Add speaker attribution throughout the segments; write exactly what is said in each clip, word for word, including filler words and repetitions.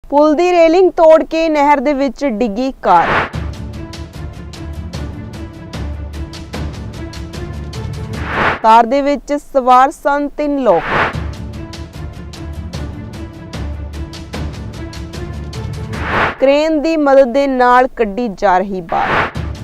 Speaker 1: ਪੁਲ ਦੀ railing ਤੋੜ ਕੇ ਨਹਿਰ ਦੇ ਵਿੱਚ ਡਿੱਗੀ ਕਾਰ। ਕਾਰ ਦੇ ਵਿੱਚ ਸਵਾਰ ਸਨ ਤਿੰਨ ਲੋਕ। ਕ੍ਰੇਨ ਦੀ ਮਦਦ ਦੇ ਨਾਲ ਕੱਢੀ ਜਾ ਰਹੀ ਬਾਹਰ।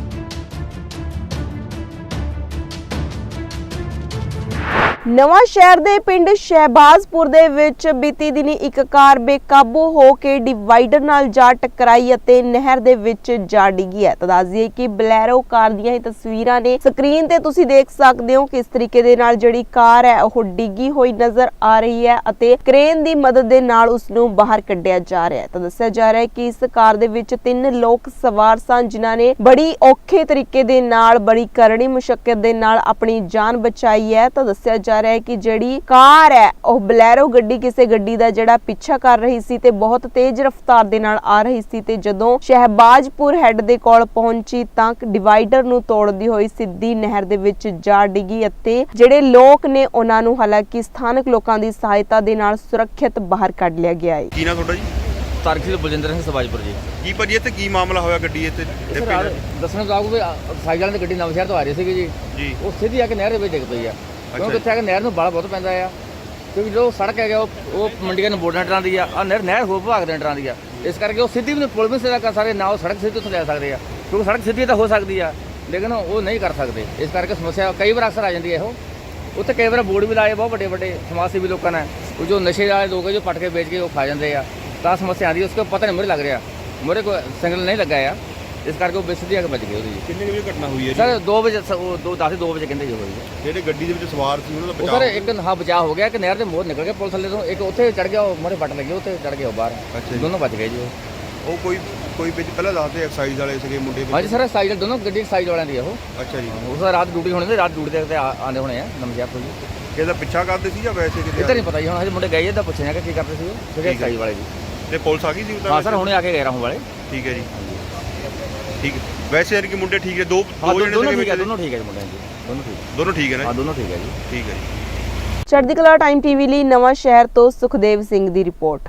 Speaker 1: ਨਵਾਂ ਸ਼ਹਿਰ ਦੇ ਪਿੰਡ ਸ਼ਹਿਬਾਜ਼ਪੁਰ ਦੇ ਵਿੱਚ ਬੀਤੀ ਦਿਨੀ ਇੱਕ ਕਾਰ ਬੇਕਾਬੂ ਹੋ ਕੇ ਡਿਵਾਈਡਰ ਨਾਲ ਜਾ ਟਕਰਾਈ ਅਤੇ ਨਹਿਰ ਦੇ ਵਿੱਚ ਜਾ ਡਿੱਗੀ ਹੈ। ਤਾਂ ਦੱਸ ਦਈਏ ਕਿ ਬਲੈਰੋ ਕਾਰ ਦੀਆਂ ਇਹ ਤਸਵੀਰਾਂ ਨੇ, ਸਕਰੀਨ ਤੇ ਤੁਸੀਂ ਦੇਖ ਸਕਦੇ ਹੋ ਕਿਸ ਤਰੀਕੇ ਦੇ ਨਾਲ ਜਿਹੜੀ ਕਾਰ ਹੈ ਉਹ ਡਿੱਗੀ ਹੋਈ ਨਜ਼ਰ ਆ ਰਹੀ ਹੈ ਅਤੇ ਕ੍ਰੇਨ ਦੀ ਮਦਦ ਦੇ ਨਾਲ ਉਸ ਨੂੰ ਬਾਹਰ ਕੱਢਿਆ ਜਾ ਰਿਹਾ ਹੈ। ਤਾਂ ਦੱਸਿਆ ਜਾ ਰਿਹਾ ਹੈ ਕਿ ਇਸ ਕਾਰ ਦੇ ਵਿੱਚ ਤਿੰਨ ਲੋਕ ਸਵਾਰ ਸਨ, ਜਿਨ੍ਹਾਂ ਨੇ ਬੜੀ ਔਖੇ ਤਰੀਕੇ ਦੇ ਨਾਲ, ਬੜੀ ਕਰੜੀ ਮੁਸ਼ੱਕਤ ਦੇ ਨਾਲ ਆਪਣੀ ਜਾਨ ਬਚਾਈ ਹੈ। ਤਾਂ ਦੱਸਿਆ ਜਾ ਰਿਹਾ ਹੈ ਕਿ ਜਿਹੜੀ ਕਾਰ ਹੈ ਉਹ ਬਲੈਰੋ ਗੱਡੀ ਕਿਸੇ ਗੱਡੀ ਦਾ ਜਿਹੜਾ ਪਿੱਛਾ ਕਰ ਰਹੀ ਸੀ ਤੇ ਬਹੁਤ ਤੇਜ਼ ਰਫ਼ਤਾਰ ਦੇ ਨਾਲ ਆ ਰਹੀ ਸੀ ਤੇ ਜਦੋਂ ਸ਼ਹਿਬਾਜ਼ਪੁਰ ਹੈੱਡ ਦੇ ਕੋਲ ਪਹੁੰਚੀ ਤਾਂ ਡਿਵਾਈਡਰ ਨੂੰ ਤੋੜਦੀ ਹੋਈ ਸਿੱਧੀ ਨਹਿਰ ਦੇ ਵਿੱਚ ਜਾ ਡਿੱਗੀ ਅਤੇ ਜਿਹੜੇ ਲੋਕ ਨੇ ਉਹਨਾਂ ਨੂੰ ਹਾਲਾਂਕਿ ਸਥਾਨਕ ਲੋਕਾਂ ਦੀ ਸਹਾਇਤਾ ਦੇ ਨਾਲ ਸੁਰੱਖਿਅਤ ਬਾਹਰ ਕੱਢ ਲਿਆ ਗਿਆ ਹੈ।
Speaker 2: ਕੀ ਨਾਮ ਤੁਹਾਡਾ ਜੀ?
Speaker 3: ਤਰਕਸ਼ੀਲ ਬਲਜਿੰਦਰ ਸਿੰਘ ਸਵਾਜਪੁਰ ਜੀ।
Speaker 2: ਕੀ ਭਾਜੀ ਇੱਥੇ ਕੀ ਮਾਮਲਾ ਹੋਇਆ ਗੱਡੀ ਇੱਥੇ?
Speaker 3: ਦੱਸਣ ਚਾਹੂੰ ਵੀ ਸਾਈਕਲ ਵਾਲਿਆਂ ਦੀ ਗੱਡੀ ਨਵਾਂ ਸ਼ਹਿਰ ਤੋਂ ਆ ਰਹੀ ਸੀਗੀ ਜੀ
Speaker 2: ਜੀ
Speaker 3: ਉਹ ਸਿੱਧੀ ਆ ਕੇ ਨਹਿਰ ਦੇ ਵਿੱਚ ਡਿੱਗ ਪਈ ਆ। ਕਿਉਂਕਿ ਇੱਥੇ ਆ ਕੇ ਨਹਿਰ ਨੂੰ ਬਾਲ ਬਹੁਤ ਪੈਂਦਾ ਆ, ਕਿਉਂਕਿ ਜੋ ਸੜਕ ਹੈਗਾ ਉਹ ਉਹ ਮੰਡੀਆਂ ਨੂੰ ਬੋਰਡਾਂ ਟਰਾਂ ਦੀ ਆ, ਆ ਨਹਿਰ ਨਹਿਰ ਹੋਰ ਵਿਭਾਗ ਦੇ ਟਰਾਂ ਦੀ ਆ। ਇਸ ਕਰਕੇ ਉਹ ਸਿੱਧੀ ਵੀ ਪੁਲ ਵੀ ਸਿੱਧਾ ਕਰ ਸਕਦੇ ਨਾ, ਉਹ ਸੜਕ ਸਿੱਧੀ ਉੱਥੇ ਲੈ ਸਕਦੇ ਆ, ਕਿਉਂਕਿ ਸੜਕ ਸਿੱਧੀ ਤਾਂ ਹੋ ਸਕਦੀ ਆ ਲੇਕਿਨ ਉਹ ਨਹੀਂ ਕਰ ਸਕਦੇ। ਇਸ ਕਰਕੇ ਸਮੱਸਿਆ ਕਈ ਵਾਰ ਅਕਸਰ ਆ ਜਾਂਦੀ ਹੈ। ਉਹ ਉੱਥੇ ਕਈ ਵਾਰ ਬੋਰਡ ਵੀ ਲਾਏ ਬਹੁਤ ਵੱਡੇ ਵੱਡੇ ਸਮਾਜ ਸੇਵੀ ਲੋਕਾਂ ਨੇ, ਉਹ ਜੋ ਨਸ਼ੇ ਵਾਲੇ ਲੋਕ ਜੋ ਪਟ ਕੇ ਵੇਚ ਕੇ ਉਹ ਖਾ ਜਾਂਦੇ ਆ, ਤਾਂ ਸਮੱਸਿਆ ਆਉਂਦੀ। ਉਸको ਪਤਾ ਨਹੀਂ ਮੁਰੇ ਲੱਗ ਰਿਹਾ, ਮੁਰੇ ਕੋਈ ਸਿੰਗਲ ਨਹੀਂ ਲੱਗਾ ਆ, ਇਸ ਕਰਕੇ ਉਹ ਬੇਸਿੱਧੀ ਆ ਕੇ ਬਚ ਗਈ ਉਹਦੀ।
Speaker 2: ਕਿੰਨੇ ਵਜੇ ਘਟਨਾ ਹੋਈ ਹੈ ਜੀ?
Speaker 3: ਸਰ ਦੋ ਵਜੇ ਉਹ ਦੋ ਦਸ ਦੋ ਵਜੇ ਕਹਿੰਦੇ ਜੀ ਹੋਈ ਹੈ।
Speaker 2: ਜਿਹੜੇ ਗੱਡੀ ਦੇ ਵਿੱਚ ਸਵਾਰ ਸੀ ਉਹਨਾਂ ਦਾ
Speaker 3: ਉਹ
Speaker 2: ਬਚਾਅ?
Speaker 3: ਸਰ ਇੱਕ ਹਾਂ ਬਚਾਅ ਹੋ ਗਿਆ ਕਿ ਨਹਿਰ ਦੇ ਮੋਹਰ ਨਿਕਲ ਗਿਆ ਪੁਲ ਥੱਲੇ ਤੋਂ, ਇੱਕ ਉੱਥੇ ਚੜ ਗਿਆ, ਉਹ ਮੋਰੇ ਫਟ ਲੱਗੀ, ਉੱਥੇ ਚੜ ਗਿਆ ਉਹ ਬਾਹਰ।
Speaker 2: ਅੱਛਾ ਜੀ।
Speaker 3: ਦੋਨੋਂ ਬਚ ਗਏ ਜੀ ਉਹ।
Speaker 2: ਉਹ ਕੋਈ ਕੋਈ ਵਿੱਚ ਪਹਿਲਾਂ ਦੱਸਦੇ ਐਕਸਾਈਜ਼ ਵਾਲੇ ਸੀਗੇ ਮੁੰਡੇ?
Speaker 3: ਹਾਂਜੀ ਸਰ ਸਾਈਡ ਦੋਨੋਂ ਗੱਡੀ ਸਾਈਡ ਵਾਲਿਆਂ ਦੀ ਆ ਉਹ।
Speaker 2: ਅੱਛਾ ਜੀ।
Speaker 3: ਉਸ ਦਾ ਰਾਤ ਡਿਊਟੀ ਹੋਣੀ ਤੇ ਰਾਤ ਡਿਊਟੀ ਦੇ ਆਉਂਦੇ ਹੋਣੇ ਆ ਨਮਜਿਆ ਤੋਂ ਜੀ।
Speaker 2: ਕਿਸੇ ਦਾ ਪਿੱਛਾ ਕਰਦੇ ਸੀ ਜਾਂ ਵੈਸੇ ਕਿਤੇ?
Speaker 3: ਇੱਧਰ ਨਹੀਂ ਪਤਾ ਜੀ, ਹੁਣ ਹਜੇ ਮੁੰਡੇ ਗਏ ਇੱਦਾਂ ਪੁੱਛਿਆ ਕਿ ਕੀ ਕਰਦੇ ਸੀ ਉਹ ਜਿਹੜੇ ਸਾਈਡ ਵਾਲੇ ਜੀ।
Speaker 2: ਤੇ ਪੁਲਿਸ ਆ ਗਈ ਸੀ?
Speaker 3: ਹਾਂ ਸਰ ਹੁਣੇ ਆ ਕੇ ਗਏ ਰਾਹੋਂ ਵਾਲੇ।
Speaker 2: ਠੀਕ ਹੈ ਜੀ, ਠੀਕ ਹੈ। ਵੈਸੇ ਯਾਰ ਕਿ ਮੁੰਡੇ ਠੀਕ ਹੈ? ਦੋ
Speaker 3: ਹਾਂ
Speaker 2: ਦੋ ਜਣੇ
Speaker 3: ਦੋਨੋਂ
Speaker 2: ਸੀਗੇ
Speaker 3: ਠੀਕ ਹੈ,
Speaker 2: ਵਿੱਚ?
Speaker 3: ਦੋਨੋਂ ਠੀਕ ਹੈ ਜੀ ਮੁੰਡਿਆਂ ਜੀ, ਦੋਨੋਂ ਠੀਕ।
Speaker 2: ਦੋਨੋਂ ਠੀਕ ਹੈ ਨਾ?
Speaker 3: ਹਾਂ ਦੋਨੋਂ ਠੀਕ ਹੈ ਜੀ।
Speaker 2: ਠੀਕ ਹੈ ਜੀ।
Speaker 1: ਚੜ੍ਹਦੀ ਕਲਾ ਟਾਈਮ ਟੀਵੀ ਲਈ ਨਵਾਂ ਸ਼ਹਿਰ ਤੋਂ ਸੁਖਦੇਵ ਸਿੰਘ ਦੀ ਰਿਪੋਰਟ।